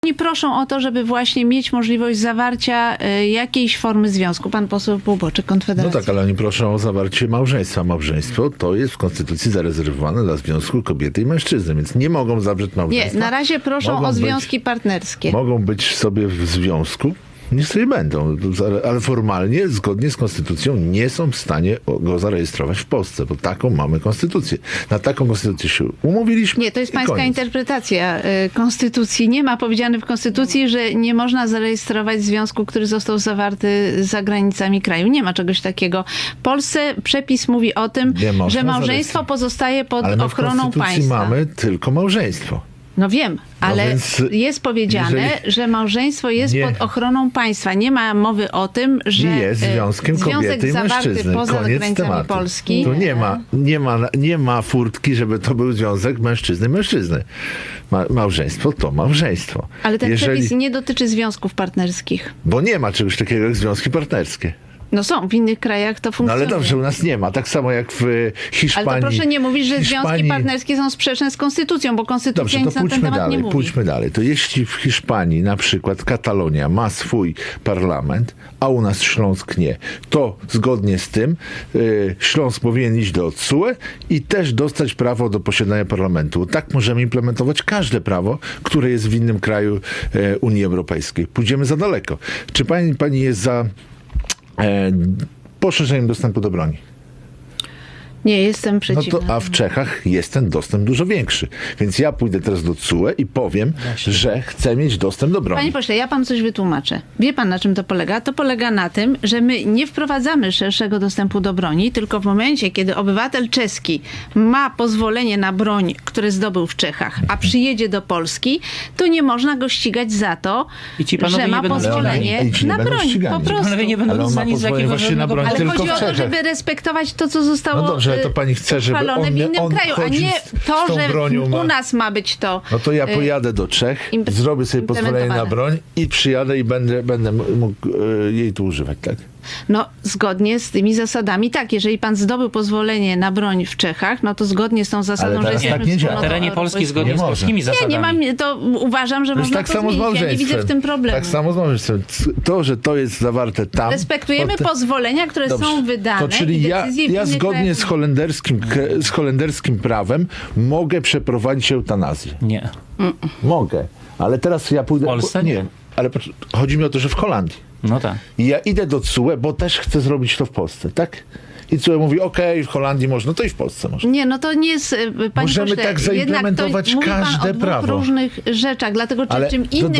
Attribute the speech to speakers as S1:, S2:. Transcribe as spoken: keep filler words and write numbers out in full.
S1: Oni proszą o to, żeby właśnie mieć możliwość zawarcia y, jakiejś formy związku. Pan poseł Półboczek, Konfederacja.
S2: No tak, ale oni proszą o zawarcie małżeństwa. Małżeństwo to jest w Konstytucji zarezerwowane dla związku kobiety i mężczyzny, więc nie mogą zawrzeć małżeństwa.
S1: Nie, na razie proszą
S2: Mogą
S1: o związki
S2: być,
S1: partnerskie.
S2: Mogą być sobie w związku, niech sobie będą, ale formalnie, zgodnie z konstytucją, nie są w stanie go zarejestrować w Polsce, bo taką mamy konstytucję. Na taką konstytucję się umówiliśmy.
S1: Nie, to jest
S2: i
S1: pańska
S2: koniec.
S1: interpretacja y, konstytucji. Nie ma powiedziane w konstytucji, że nie można zarejestrować związku, który został zawarty za granicami kraju. Nie ma czegoś takiego. W Polsce przepis mówi o tym,
S2: Nie można
S1: że małżeństwo
S2: zarejestrować.
S1: pozostaje pod
S2: Ale my w
S1: ochroną
S2: konstytucji
S1: państwa.
S2: mamy tylko małżeństwo.
S1: No wiem, ale
S2: więc
S1: jest powiedziane,
S2: jeżeli-
S1: że małżeństwo jest
S2: Nie.
S1: pod ochroną państwa. Nie ma mowy o tym, że
S2: jest
S1: e,
S2: związkiem
S1: związek
S2: kobiety i
S1: zawarty
S2: mężczyzny.
S1: poza
S2: Koniec
S1: granicami
S2: tematu.
S1: Polski.
S2: Tu nie ma, nie, ma, nie ma furtki, żeby to był związek mężczyzny i mężczyzny. Ma, małżeństwo to małżeństwo.
S1: Ale ten
S2: Jeżeli,
S1: przepis nie dotyczy związków partnerskich.
S2: Bo nie ma czegoś takiego jak związki partnerskie.
S1: No są, w innych krajach to
S2: No
S1: funkcjonuje.
S2: ale dobrze, u nas nie ma. Tak samo jak w Hiszpanii.
S1: Ale to proszę nie mówić, że związki
S2: Hiszpanii...
S1: partnerskie są sprzeczne z konstytucją, bo konstytucja
S2: Dobrze, to
S1: nic na ten
S2: pójdźmy
S1: temat
S2: dalej,
S1: nie mówi.
S2: pójdźmy dalej. To jeśli w Hiszpanii na przykład Katalonia ma swój parlament, a u nas Śląsk nie, to zgodnie z tym y, Śląsk powinien iść do T S U E i też dostać prawo do posiadania parlamentu. Tak możemy implementować każde prawo, które jest w innym kraju y, Unii Europejskiej. Pójdziemy za daleko. Czy pani, pani jest za e, poszerzeniem dostępu do broni?
S1: Nie, jestem
S2: No
S1: przeciwna.
S2: to, a w Czechach jest ten dostęp dużo większy. Więc ja pójdę teraz do T S U E i powiem, że chcę mieć dostęp do broni.
S1: Panie pośle, ja panu coś wytłumaczę. Wie pan, na czym to polega? To polega na tym, że my nie wprowadzamy szerszego dostępu do broni, tylko w momencie, kiedy obywatel czeski ma pozwolenie na broń, które zdobył w Czechach, a przyjedzie do Polski, to nie można go ścigać za to,
S3: I ci panowie
S1: że
S3: nie
S1: ma
S3: będą
S1: pozwolenie
S2: ścigani. I ci nie
S1: na
S2: będą
S1: broń.
S2: ścigani.
S1: Po
S2: Ci
S1: prostu.
S3: Panowie nie będą
S2: Ale on ma
S3: uznani za
S2: pozwolenie
S3: jakiegoś
S2: właśnie na
S3: żadnego
S2: broń
S1: Ale
S2: tylko
S1: chodzi
S2: w
S1: o to,
S2: Czechach.
S1: żeby respektować to, co zostało
S2: No dobrze, to pani chce, żeby
S1: uchwalone
S2: on-
S1: w innym
S2: on
S1: kraju, a
S2: chodził
S1: nie
S2: z- z
S1: to,
S2: tą
S1: że
S2: bronią ma-
S1: u nas ma być to.
S2: No to ja
S1: y,
S2: pojadę do Czech,
S1: imp-
S2: zrobię sobie pozwolenie na
S1: implementowane.
S2: broń i przyjadę i będę, będę mógł e, jej tu używać, tak?
S1: No, zgodnie z tymi zasadami, tak. Jeżeli pan zdobył pozwolenie na broń w Czechach, no to zgodnie z tą zasadą,
S2: Ale
S1: że
S2: teraz
S1: jesteśmy
S2: tak nie działa.
S3: Na
S1: wspólnotą
S3: terenie Polski
S1: europejską.
S3: zgodnie
S2: Nie
S3: z
S2: może.
S3: polskimi
S1: Nie,
S3: zasadami.
S1: nie mam, to uważam, że
S2: To jest
S1: można
S2: tak
S1: to
S2: samo z
S1: zmienić. Ja nie
S2: małżeństwem.
S1: widzę w tym problemu.
S2: Tak samo z małżeństwem. To, że to jest zawarte tam...
S1: Respektujemy
S2: potem-
S1: pozwolenia, które
S2: Dobrze.
S1: są wydane.
S2: To czyli
S1: i
S2: ja,
S1: decyzje w
S2: ja
S1: innych
S2: zgodnie
S1: krajach-
S2: z holenderskim, z holenderskim prawem mogę przeprowadzić eutanazję.
S3: Nie.
S2: Mogę. Ale teraz ja pójdę...
S3: W Polsce?
S2: Nie. Ale pocz- chodzi mi o to, że w Holandii.
S3: No tak.
S2: I ja idę do T S U E, bo też chcę zrobić to w Polsce, tak? I T S U E mówi, okej, w Holandii można, to i w Polsce można.
S1: Nie, no to nie jest, y, panie
S2: Możemy
S1: pośle,
S2: tak
S1: jednak to
S2: zaimplementować
S1: mówi pan
S2: każde
S1: o dwóch
S2: prawo.
S1: różnych rzeczach, dlatego czy
S2: Ale
S1: czym
S2: to
S1: innym